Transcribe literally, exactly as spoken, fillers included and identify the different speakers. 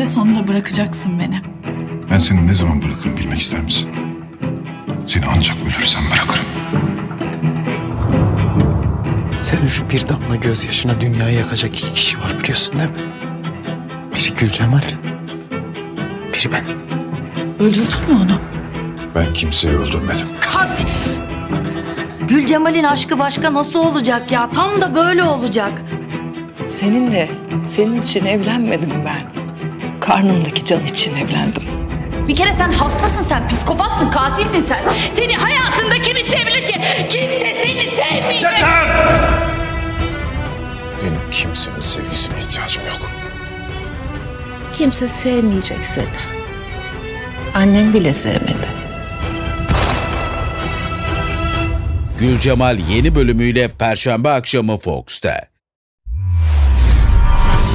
Speaker 1: Eninde sonunda bırakacaksın beni.
Speaker 2: Ben seni ne zaman bırakırım bilmek ister misin? Seni ancak ölürsem bırakırım.
Speaker 3: Senin şu bir damla gözyaşına dünyayı yakacak iki kişi var biliyorsun değil mi? Biri Gülcemal, biri ben.
Speaker 1: Öldürdün mü onu?
Speaker 2: Ben kimseyi öldürmedim.
Speaker 4: Kat! Gülcemal'in aşkı başka nasıl olacak ya? Tam da böyle olacak.
Speaker 5: Seninle, senin için evlenmedim ben. Karnımdaki can için evlendim.
Speaker 4: Bir kere sen hastasın, sen psikopatsın, katilsin sen. Seni hayatında kim isteyebilir ki? Kimse seni sevmeyecek.
Speaker 2: Benim kimsenin sevgisine ihtiyacım yok.
Speaker 6: Kimse sevmeyecek seni. Annen bile sevmedi.
Speaker 7: Gülcemal yeni bölümüyle Perşembe akşamı Fox'ta.